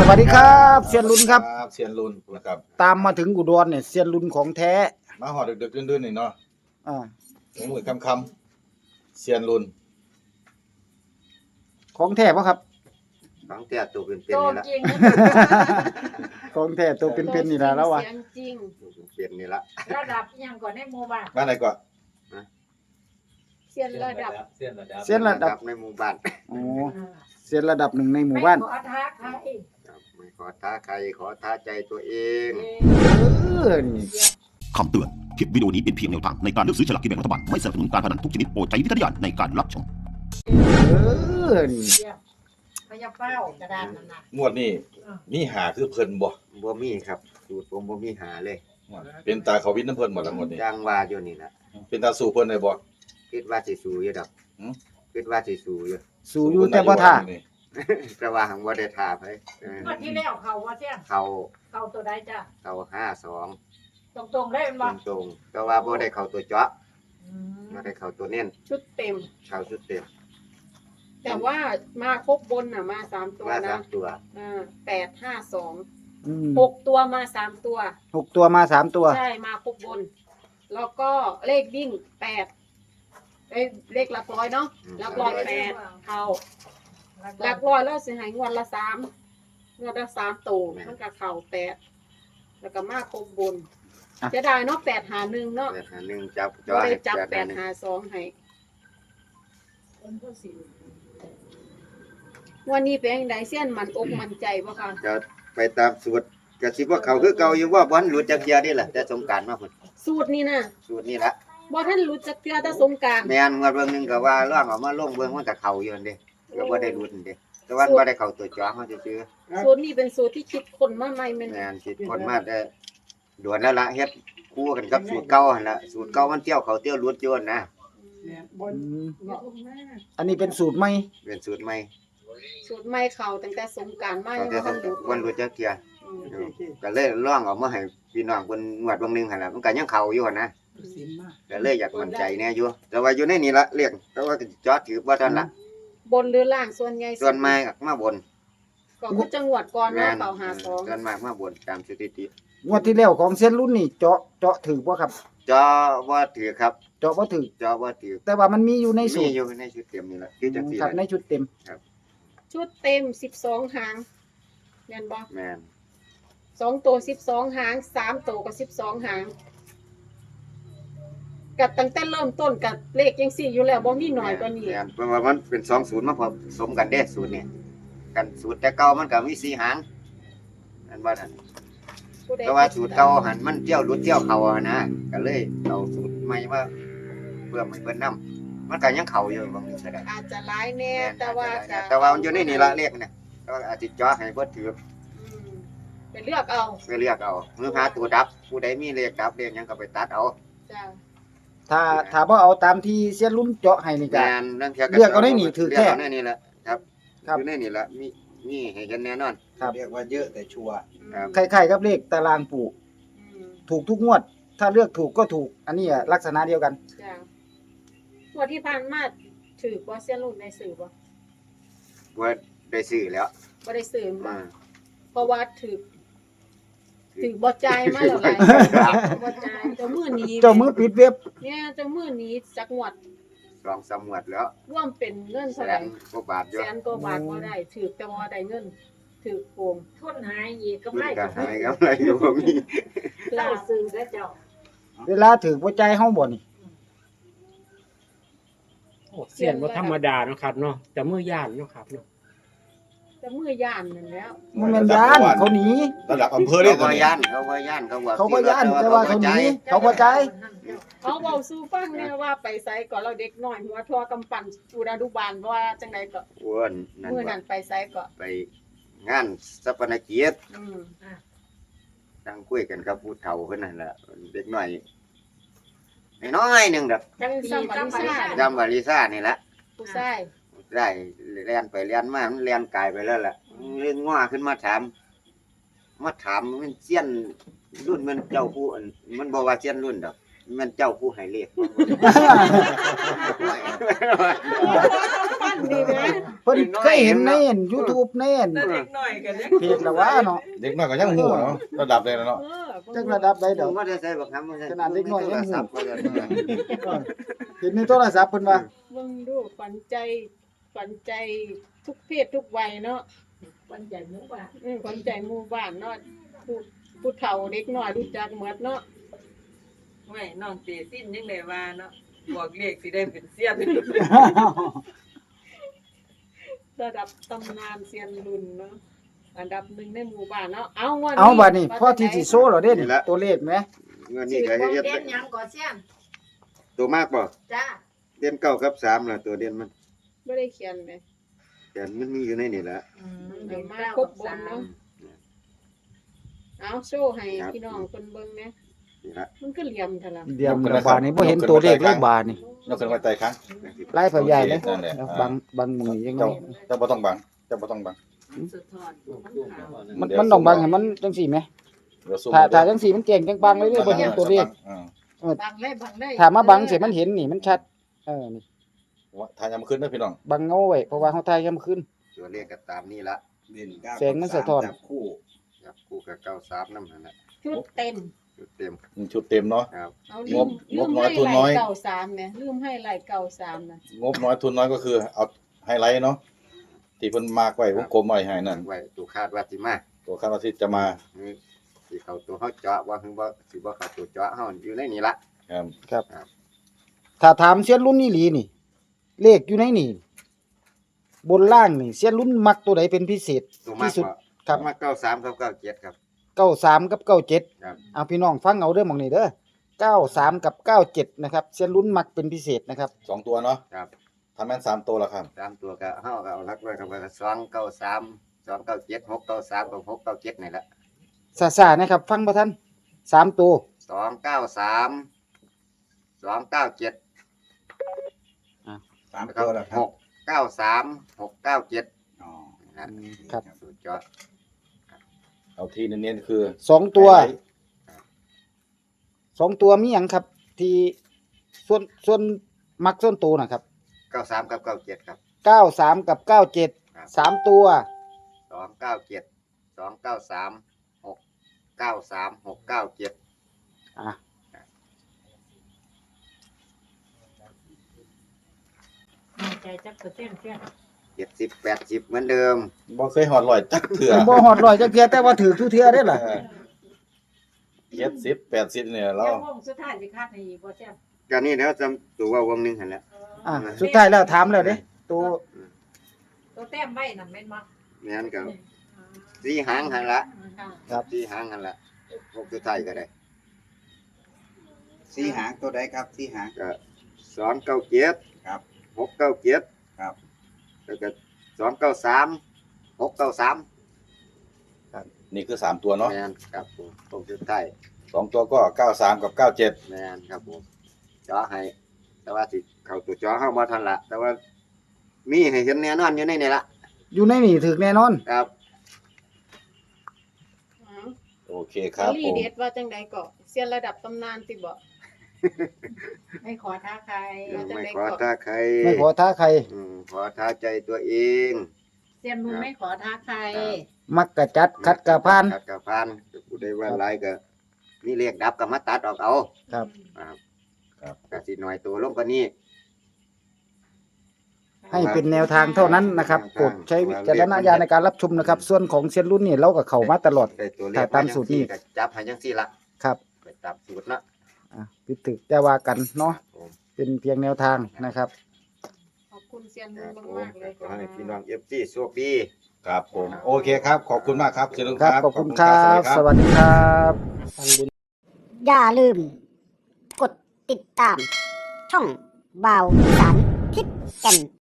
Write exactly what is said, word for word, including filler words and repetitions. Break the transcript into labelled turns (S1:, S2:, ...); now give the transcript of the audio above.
S1: วัสดีครับเซียนลุนครับ
S2: เซียนลุนนะครับ
S1: ตามมาถึงอุดรเนี่ยเซียนลุนของแท้
S2: มาหอดดึกๆดื่นๆนี่เนาะ
S1: อ่า
S2: มืดค่ำๆเซียนลุน
S1: ของแท้ป่ะครับ
S3: ของแท้ตัวเป็นๆนี่ละ
S1: ของแท้ตัวเป็นๆนี่ละแล้ววะ
S4: เสียงจริง
S3: เป็นนี่ละ
S4: ระดับยังก่อนในหมู่บ้าน
S2: บ้านไหนก่อน
S4: เสียนระดับ
S1: เซียนระดับ
S3: ในหมู่บ้าน
S1: โอ้เซียนระดับหนึ่งในหมู่บ้าน
S4: ไม่ขอท้าใคร
S3: ไม่ขอท้าใครขอท้าใจตัวเอง
S1: เออนี่
S5: คำเตือน คลิปวิดีโอนี้เป็นเพียงแนวทางในการเลือกซื้อฉลากกินแบ่งรัฐบาล ไม่สนับสนุนการพนันทุกชนิดโปรดใช้วิจารณญาณในการรับชม
S1: เออนี่
S4: พยาเป้ากระดานนั่นน่ะ
S2: งวดนี้มีหาคือเพิ่นบ่
S3: บ่มีครับสูตรผมบ่มีหาเลย
S2: เป็นตาเขาวินน้ำเพิ่นหมดแล้วงวดนี้
S3: จังว่าอยู่นี่ล่ะ
S2: เป็นตาสู่เพิ่นได้บ่
S3: คิดว่าสิสู้อยู่ดอกหือคิดว่าสิสู้อยู่
S1: สู้อยู่แต่บ่ท่า
S3: แต่ว่าหังบ่ได้ท่าไผ
S4: งวดที่แล้วเขาว่าเสียง
S3: เขา
S4: เขาตัวใดจ้ะ
S3: เขาห้าสอง
S4: ตรงๆได้แม่นบ่
S3: ตรงๆแต่ว่าบ่ได้เข้าตัวเจาะบ่ได้เข้าตัวเน้น
S6: ชุดเต็ม
S3: เข้าชุดเต็ม
S6: แต่ว่ามาครบบนน่ะมาสามตัว
S3: มา
S6: นะ
S3: สามตัว
S6: อ่าแปดห้าสอง
S1: อืม
S6: หกตัวมาสามตัว
S1: หกตัวมาสามตัว
S6: ใช่มาครบบน แล้วก็เลขวิ่งแปดเอ้ยเลขหลักร้อยเนาะหลักร้อยแปดเข้าหลักร้อยแล้วสิให้งวดละสามงวดละสามตัวมันก็เข้าแปดแล้วก็มาครบบนจะได้เนาะแปดหาหนึ่งเนาะ
S3: แปดหาหนึ่งจับ
S6: ก็ได้จับแปดหาสองให้วันนี้เป็นยังไงเสี้ยนมันอกมันใจบ่คะ
S3: จะไปตามสูตรก็สิว่าเขาคือเก่าอยู่ว่าบ่ทันหลุดจักเทื่อนี่แหละแต่สงกรานต์มาพุ่น
S6: สูตรนี้นะ
S3: สูตรนี้ละ
S6: บ่ทันรู้จักเทื่อแต่สงกรานต์
S3: แม่นงวดเบิ่งนึงก็ว่าร่างออกมาลงเบิ่งมันก็เข้าอยู่นั่นเด้ก็บ่ได้หลุดนั่นเด้แต่ว่าบ่ได้เข้าตัวจ้อเฮาซื่อ
S6: ๆสูตรนี้เป็นสูตรที่คิดคนมาใหม่แม่น
S3: แม่นคิดคนมาได้ด่วนแล้วล่ะเฮ็ดคู่กันกับสูตรเก่าหั่นล่ะสูตรเก่ามันเที่ยวเขาเที่ยวหลุดอยู่นะ
S1: อันนี้เป็นสูตรใหม่
S3: เป็นสูตรใหม่
S6: สูตรใหม่เข้าตั้งแต่สงกรานต์มา
S3: ยั
S6: งบ่ทันหลุด
S3: วันหลุดจักเทื่อก็เลยลองเอามาให้พี่น้องเพิ่นงวดเบิ่งนึงหั่นล่ะมันก็ยังเข้าอยู่หั่นนะก็เลยอยากมั่นใจแน่อยู่แต่ว่าอยู่ในนี่ละเรียกแต่ว่าจอดถือบ่ทันละ
S6: บนหรือล่างส่วนใหญ่
S3: ส่วนมากมาบน
S6: ก็คือจังหวัดก่อนเนาะเป่าหาสอง
S3: ส่วนมากมาบนตามสถิติ
S1: งวดที่แล้วของเซียนรุ่นนี่เจาะเจาะถือบ่ครับ
S3: จอบ่ถือครับ
S1: เจาะบ่ถือ
S3: จอบ่ถือ
S1: แต่ว่ามันมีอยู่ในสูตร
S3: มีอยู่ในชุดเต็มนี่ล่ะคือจังซี่
S1: ครับในชุดเต็ม
S3: ครับ
S6: ชุดเต็มสิบสองหางแม่นบ่
S3: แม่น
S6: สองตัวสิบสองหางสามตัวก็สิบสองหางกับตั้งแต่เริ่มต้นกับเลขจังซี่อยู่แล้วบ่มีน้อยกว่านี้
S3: แม่นเพราะว่ามันเป็นสองศูนย์มาผสมกันเด้สูตรนี้กันสูตรแต่เก่ามันก็มีสี่หางอันว่านั่นแต่ว่าสูตรเก่าหันมันเที่ยวหลุดเที่ยวเข้าอะนะก็เลยเอาสูตรใหม่มาเพื่อให้เพิ่นนำมันก็ยังเข้าอยู่บางทีก็ได้
S6: อาจจะหลายแน่แต่ว่าก็
S3: แต่ว่ามันอยู่ในนี่ละเลขเนี่ยก็อาจสิจ่อให้บ่ถือ
S6: ไปเลือกเอา
S3: ไปเลือกเอาหรือหาตัวดับผู้ใดมีเลขดับเลขหยังก็ไปตัดเอา
S6: จ้ะ
S1: ถ้าถ้าบ่เอาตามที่เซียนรุ่นเจาะให้นี่ก็เลือกเอาได้นี่ถือแท้
S3: เลือกเอาในนี่แหละครับอยู่ในนี่ละมีมีให้เห็นแน่นอน
S2: เรียกว่าเยอะแต่ชัวร์
S1: คล้ายๆกับเลขตารางปู่ถูกทุกงวดถ้าเลือกถูกก็ถูกอันนี้ลักษณะเดียวกัน
S6: จ้ะงวดที่ผ่านมาถือบ่เซียนรุ่นได้ซื้อบ่
S3: บ่ได้ซื้อแล้ว
S6: บ่ได้ซื้อมาเพราะว่าถือถือบ่จ่ายมาแล้วหลายบ่จ่ายเจ้ามือนี้
S1: เจ้ามือปิดเว็บ
S6: เนี่ยเจ้ามือนี้จักงวด
S3: สองสามงวดแล้ว
S6: รวมเป็นเงินเท่าไหร่
S3: แสนกว่าบาทอยู่
S6: แสนกว่าบาทบ่ได้ถือแต่ว่าได้เงินถือโกง
S4: ทุนหายอีกก็ไม่
S3: ก็หายกำไรอยู่บ่มี
S4: เจ้าซื้อแล้วเจ้า
S1: เวลาถือบ่จ่ายเฮาบ่นี่
S7: โอ้เสียนบ่ธรรมดาเนาะครับเนาะแต่มือย่านเนาะครับเนาะ
S6: แต่มือย่านนั่นแล้ว
S1: มันแม่นย่านเขาหนี
S2: ระดับอำเภอเด้
S3: เขาบ่ย่านเขาบ่ย่านเขาว่า
S1: เขาบ่ย่านแต่ว่าเขาหนีเขาบ่จ่าย
S6: เขาเว้าสู่ฟังแน่ว่าไปไสก็เราเด็กน้อยหัวทั่วกำปั้นอุดานุบาลว่าจังได๋ก็
S3: อ้วนนั่น
S6: มื้อนั้นไปไสก็
S3: ไปงานสัปนกิจ
S6: อืมอ่ะ
S3: นั่งคุยกันกับผู้เฒ่าเพิ่นนั่นล่ะเด็กน้อยน้อยนึงดอก
S6: จังซัมบาริซ่า
S3: จัมบาริซ่านี่ล่ะ
S6: ผู้ชาย
S3: ได้เรียนไปเรียนมามันเรียนกายไปแล้วล่ะเรื่องง้อขึ้นมาถามมาถามมันเซียนรุ่นมันเจ้าผู้มันบอกว่าเซียนรุ่นดอกมันเจ้าผู้ให้เลข
S6: นนี่นะ
S1: เพิ่นเคยเห็นใน YouTube ใน
S8: แต่เด็กน้อยก็ยัง
S1: เพจละว่าเนาะ
S2: เด็กน้อยก็ยังหูเนาะระดับเลยเนาะ
S6: เออ
S1: จักระดับใดดอก
S3: ว่าจะใส่บักคำว่า
S1: ขนาดเด็กน้อยยังหู
S3: โทรศัพท์ว่าจะ
S1: เออเห็นในโทรศัพท์เพิ่นว่า
S6: เบิ่งดูฝันใจฝันใจทุกเพศทุกวัยเนาะ
S4: วันใหญ่หมู่บ้าน
S6: อืมฝันใจหมู่บ้านเนาะผู้ผู้เฒ่าเด็กน้อยรู้จักหมดเนาะ
S8: ไม่น้องเตสิ้นยังได้ว่าเนาะบอกเลขสิได้เป็นเสี้ยน
S6: ระดับตำนานเซียนรุ่นเนาะอันดับหนึ่งในหมู่บ้านเนาะเอางวด
S1: เอาบัดนี้พ่อที่สิโซ่เหรอเด้นี่ตัวเลขไหม
S3: เงินนี่ก็เฮ็ด
S4: เด่นหยังก่อเสียน
S3: ตัวมากบ่
S4: จ้า
S3: เด่นเก้ากับสามล่ะตัวเด่นมัน
S6: บ่ได้เขียนไหม
S3: แต่มันมีอยู่ในนี่แหละ
S4: อืม
S6: เดี๋
S4: เด่
S6: ยวน มา
S4: เก้า
S6: คร
S4: กั
S6: บบ น
S4: สาม
S6: เนาะเอาโชว์ให้พี่น้องเพิ่นเบิ่งนะ
S3: นี่ละ
S6: มันก็เหลี่ยมเท่าล่ะ
S1: เดี๋ยวบาดนี้บ่เห็นตัวเลขเลยบาดนี่
S2: ยกขึ้นไว้ใต้ครั้ง
S1: ไล่ไปใหญ่เลย
S2: นั่นแหละ
S1: แล้วบังบังมือยังไง
S2: เจ้าเจ้าบ่ต้องบังเจ้าบ่ต้องบัง
S4: สุดทอดมันขาว
S1: มันมันต้องบังให้มันจังซี่ไหม
S2: เดี๋ยวซูม
S1: ถ้าถ้าจังซี่มันเก่งจังบังเลยเด้อบ่เห็นตัวเลข
S2: อ่า
S4: บังเลยบังเลย
S1: ถ้ามาบังเสร็จมันเห็นนี่มันชัดเออนี่
S2: ว่าทานยามขึ้นเด้อพี่น้อง
S1: บังเงาไว้เพราะว่าเฮาทายยามคืน
S3: ตัวเลขก็ตามนี่ละ
S2: เด่นเก้า
S1: แสงมันสะท้อน
S2: จับคู่
S3: จับคู่กับเก้าสามนำนั่นแหละ
S6: ชุดเต็ม
S3: จุดเต็ม
S2: ชุดเต็มเนาะ
S3: ครับ
S6: เอา
S2: ง
S6: ลื
S2: บ
S6: ม
S2: ง
S6: ลื
S2: บ
S6: ม
S2: น้อย
S6: ให้
S2: ทุน
S6: ไหล
S2: น้อย
S6: เก่าสามเนี่ยลืมให้ไหลเก่าสามนะ
S2: งบน้อยทุนน้อยก็คือเอาไฮไลท์เนาะที่เพิ่นมากไว้วงกลมไว้ให้นั่น
S3: ไว้ตัวคาดว่าสิมา
S2: ตัวคาดว่าที่จะมา
S3: นี่สิเข้าตัวเฮาเจาะว่าคือบ่สิบ่เข้าตัวเจาะเฮาอยู่ในนี่ละ
S2: ครับ
S1: ครับ
S3: ครับ
S1: ถ้าถามเสียนรุ่นนี่หลีนี่ เลขอยู่ในนี่ บนล่างนี่เสียนรุ่นมักตัวใดเป็นพิเศษ
S3: ตัวมาก
S1: ที่สุด
S3: กว่า
S1: ครับ
S3: มาเก้าสามกับเก้าเจ็ดครับ
S1: เก้าสามกับเก้าเจ็ด
S3: ครับ
S1: เอาพี่น้องฟังเอาเด้อหม่องนี้เด้อเก้าสามกับเก้าเจ็ดนะครับเสียนรุ่นมักเป็นพิเศษนะครับ
S2: สองตัวเนาะ
S3: ครับ
S2: ทำแม่นสามตัวแล้วครับ
S3: สามตัวก็เฮาก็เอาหลักไว้กับว่าสองเก้าสาม สองเก้าเจ็ด หกเก้าสามกับหกเก้าเจ็ดนี่แหละ
S1: ซาๆนะครับ ฟังบ่ทันสามตัว
S3: สองเก้าสาม สองเก้าเจ็ด
S2: สาม
S3: แล้วก็หกเก้าสาม หกเก้าเจ็ด
S2: อ๋อ
S1: ครับ
S3: สุดยอด
S2: เอาที่เน้นๆคือ
S1: สองตัว
S2: ไฮไลท์
S1: สองตัวมีหยังครับ ที่ส่วนส่วนมักส่วนตัวนะครับ
S3: เก้าสามกับเก้าเจ็ดครับ
S1: เก้าสามกับเก้าเจ็ด
S3: ครับ
S1: สามตัว
S3: สองเก้าเจ็ด สองเก้าสาม หกเก้าสาม หกเก้าเจ็ด
S1: อ่ะ
S4: มั่นใจจักเปอร์เซ็นต์เสียน
S3: เจ็ดสิบ แปดสิบเหมือนเดิม
S2: บ่เคยหอดลอยจักเถื่อ
S1: บ่ฮอดร้อยจักเทื่อแต่ว่าถือทุกเทื่อได้อล่ะ
S2: เจ็ดสิบแปดสิบเนี่ยเรา
S4: เดี๋ยววงสุดท้ายสิคาดให้อีกบ่เสียน
S3: ก็นี่แล้วจำตัวว่าวงหนึงหั่นแหละ
S1: อ่ะสุดท้ายแล้วถามแล้วเด้ตัว
S4: ตัวแต้มไว้นั่นแม่นบ่
S3: แม่นก็สี่หางหั่นละ
S4: ค่ะ
S1: ครับ
S3: สี่หางหั่นละหกสุดท้ายก็ได้
S9: สี่หางตัวใดครับสี่หาง
S3: ก็สองเก้าเจ็ด
S9: ครับ
S3: หกเก้าเจ็ด
S9: ครับ
S3: แล้วก็สองเก้าสาม หกเก้าสาม
S2: นี่คือสามตัวเนาะ
S3: แมนครับผมตรงสุดท้าย
S2: สองตัวก็เก้าสามกับเก้าเจ็ด
S3: แมนครับผมเจาะให้ แต่ว่าสิเข้าตัวเจาะเข้ามาทันละแต่ว่ามีให้เห็นแน่นอนอยู่ในนี่ละ
S1: อยู่ในนี่ถึกแน่นอน
S3: ครับ
S6: อ๋อ
S2: โอเคครับ
S6: ลี
S2: ผม
S6: เด็ดว่าจังใดก็เซียนระดับตำนานติบ่
S4: ไม่ขอท้าใคร
S3: ไม่ขอท้าใคร
S1: ไม่ขอท้าใคร
S3: อืมขอท้าใจตัวเอง
S4: เสียนมึงไม่ขอท้าใคร
S1: มักกะจัดคัดกะพาน
S3: ขัดกระพานผู้ใดว่าหลายก็นี่เรียกดับก็มาตัดออกเอา
S1: ครับ
S3: ครับครับก็สิหน่อยตัวลงกว่านี้
S1: ให้เป็นแนวทางเท่านั้นนะครับโปรดใช้วิจารณญาณในการรับชมนะครับ ส่วนของเซียนรุ่นนี่เราก็เข้ามาตลอด
S3: ได้ตัวเลข
S1: ถ้าตามสูตรนี้
S3: ก็จับให้จังซี่ละ
S1: ครับ
S3: ไปตามสูตรละ
S1: อ่ะพิดถึกแต่ว่ากันเนาะ
S3: ผม
S1: เป็นเพียงแนวทางนะครับ
S6: ขอบคุณเซียน
S3: ค
S6: มุ
S3: รั
S6: ง
S3: บผม
S6: มากๆเลย
S3: ขอ
S6: ค่ะ
S3: ให้พี่น้อง เอฟ ซี โชคดี
S2: ครับผม โอเคครับ ขอบคุณมากครับเชิญลุง
S1: ค
S2: ค
S1: รั
S2: รั
S1: บบ ขอบคุณครับ สวัสดีครับ
S10: อย่าลืม กดติดตาม ช่องบ่าวสารทิศแก่น